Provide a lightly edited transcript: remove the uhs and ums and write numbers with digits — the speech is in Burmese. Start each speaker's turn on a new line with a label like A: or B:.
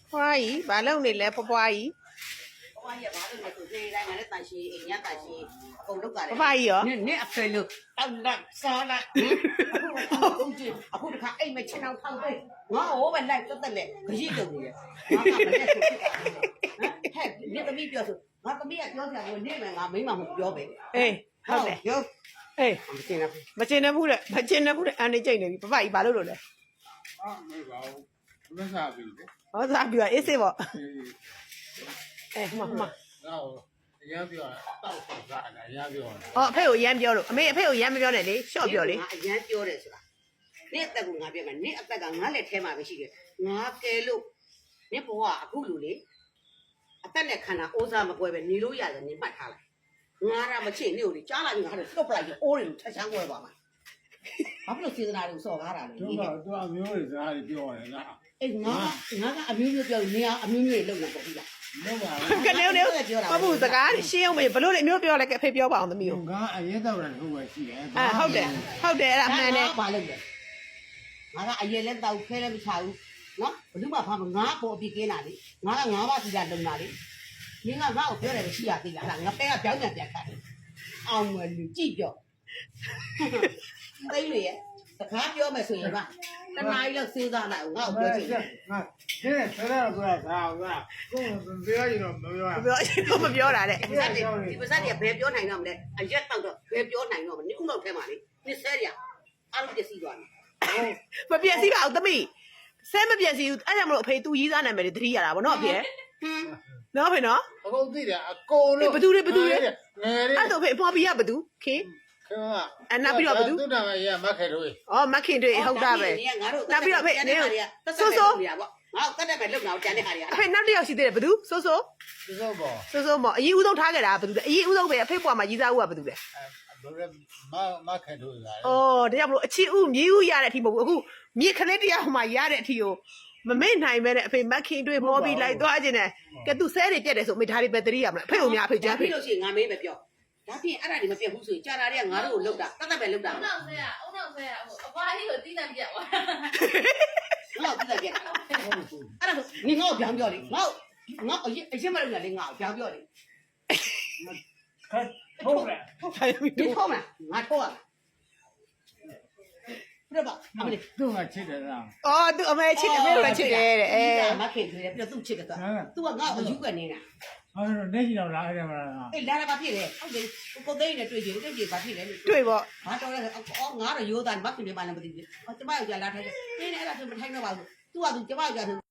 A: ဖွားကြီးဘာလုပ်နေလဲဖွားကြီး
B: ဘွားကြီးကဘာလို့လဲဆိုနေတိုင်းငါလည်းတန်ရှင်းအိမ်ညတန်ရှင်းအကုန်လုပ်ကြတယ်
A: ဖွားကြီးရော
B: နင့်အဖေလို့တောက်လိုက်စားလိုက်အခုတခါအိမ်မချင်အောင်ထောက်ပေးငါဟိုးပဲလိုက်တက်တက်လေခရီးတုံနေရငါကမနဲ့ဆိုဖြစ်တာဟဲ့နင့်သမီးပြောဆိုငါသမီးကပြောစရာကိုနင့်မယ်ငါမိမမပြောပဲ
A: အေးဟုတ်တယ်
B: ပြော
A: အေး
B: မကျင်ဘူး
A: မကျင်နေဘူးလေမကျင်နေဘူးလေအန်နေကြိတ်နေပြီဖွားကြီးဘာလုပ်လို့လဲ
C: 没搞，没啥比的。
A: ဟောစားပြီးတော့အေးစေးပေါ့အေးမှန်
C: 然后人家表到手啥的，人家表。
A: ဟောအဖေကိုရမ်းပြောလို့အမေအဖေကိုရမ်းမပြောနဲ့လေရှော့ပြောလေ
B: ငါအရန်ပြောတယ်ဆိုတာနင့်အသက်ကငါပြောမယ်နင့်အသက်ကငါလက်ထဲမှာပဲရှိတယ်ငါကဲလို့နင့်ဘဝအခုလူလေအသက်နဲ့ခန္ဓာအိုးစားမကွဲပဲနေလို့ရတယ်နင်မှတ်ထားလိုက်ငါရမချစ်နေလို့ကြားလာရင်ငါတို့လွတ်ပလိုက်ပြီးအိုးတွေထချမ်းကွဲပါမှာဘာဖြစ်လို့စေတနာတွေကိုစော်ကားတာလဲ
C: 都把苗的啥的表的那，
B: အေးငါကအမျိုးမျိုးပြောနေအောင်အမျိုးမျိုးလုံနေပေါ့ပြီလား
C: 没吧？
A: ကနေနေမဟုတ်စကားရှင်းအောင်မေဘလို့လေမျိုးပြောလိုက်ကအဖေပြောပါအောင်သမီးကို
C: 刚俺也到那后边去的。
A: ဟုတ်တယ်အဲ့ဒါမှန်တယ်
B: ဘာလုပ်လဲငါကအရင်လဲတောက်ခဲလဲမချဘူးနော်ဘယ်သူမှဖားမငါပေါ်အပြစ်ကင်းတာလေငါကငါးပါးစီတာလုံတာလေမင်းကငါ့ကိုပြောတယ်ရှိရသေးလားငါပဲကပြောင်းပြန်ပြန်ခတ်တယ်အောင်မလူကြည့်ပြောသိလေရဲ့စကားပြောမယ်ဆိုရင်ကတနားကြီးလောက်စဉ်းစားလိုက်ငါ့ကိုပြောချင်တယ်
C: 那现在车上过来啥？我跟不要一种没有啊。
A: ပြောမပြောတာတဲ့
B: ဒီပါဇက်တွေဘယ်ပြောနိုင်တော့မလဲအရက်တော့တော့ဘယ်ပြောနိုင်တော့မလဲဥမောက်ထဲမှာလေနှစ်ဆဲရအားလုံးပြည့်စည်သွားတယ်
A: မပြည့်စည်ပါဘူးသမီးဆဲမပြည့်စည်ဘူးအဲ့ကြောင့်မလို့အဖေသူရေးစားနာမည်တွေတတိရတာဗောနော်အဖေနော်အဖေနော်
C: 我讲对的，高了。
A: ဘသူတွေဘသူတွေ
C: 哎
A: အဲ့တော့အဖေအဖွားပြရဘသူခင်
C: 对吧？
A: အနောက်ပြီးတော့ဘသူ
C: 都那么也没开头。
A: ဩမခင်တွေဟုတ်တာပဲ
B: ငါတို့
A: နောက်ပြီးတော့အဖေနေ
B: ဆိုးဆိုးရပါငါတတ်တယ်ပဲလုံအောင်ကြံတဲ့ဟာတွေက
A: အဖေနောက်တစ်ယောက်ရှိသေးတယ်ဘသူစိုးစိုး
C: 知道不？
A: စိုးစိုးမော်အရင်ဦးဆုံးထားခဲ့တာဘသူလဲအရင်ဦးဆုံးပဲအဖေပွားမှာရေးစားဦးကဘသူလဲ
C: 不是没开头的。
A: ဩဒါကြောင့်မလို့အချီဦးမြေဦးရတဲ့အထိမဟုတ်ဘူးအခုမြေခလေးတရားဟိုမှာရတဲ့အထိကိုမမေ့နိုင်ပဲနဲ့အဖေမခင်တွေမောပြီးလိုက်သွားခြင်းနဲ့ကဲသူဆဲတွေပြက်တယ်ဆိုအမေဒါတွေပဲတတိရမလားအဖေကိုများအဖေကြမ်းဖေ
B: ပြီးလို့ရှိရင်ငါမေးပဲပြောဒါဖြင့်အဲ့ဒါတွေမပြတ်ဘူးဆိုရင်ကြာလာတဲ့ငါတို့ကိုလုံတာတတ်ပဲလုံတာ
D: အုံနောက်ဆဲရအုံနောက်ဆဲရဟိုအပွားကြီးကိုတီးတန့်ပြက်သွား
B: ငါ့ကိုပြတ်ပြတ်အဲ့ဒါဆိုနင်ငါ့ကိုပြောင်းပြောလေငါအရင်မလုံရလေငါ့ကိုပြောင်းပြောလေ
C: 开头了。
B: 你抽吗？俺抽啊。不是吧？阿妹，
C: 都俺吃的啦。
A: အော်သူအမေချစ်တယ်ဖေကချစ်တယ်တဲ့အဲ
B: 俺开出来，不是都吃个的。都我我有个人啊，
C: 俺说那些老哪个嘛？
B: 哎，来了把皮嘞，我给我给人追求，追求把皮嘞。
A: တွေ့ပေါ့
B: 俺找来，俺这有单把皮嘞办了不对，我这把要家拉开，你那那是不太那吧？都啊都这把要家头。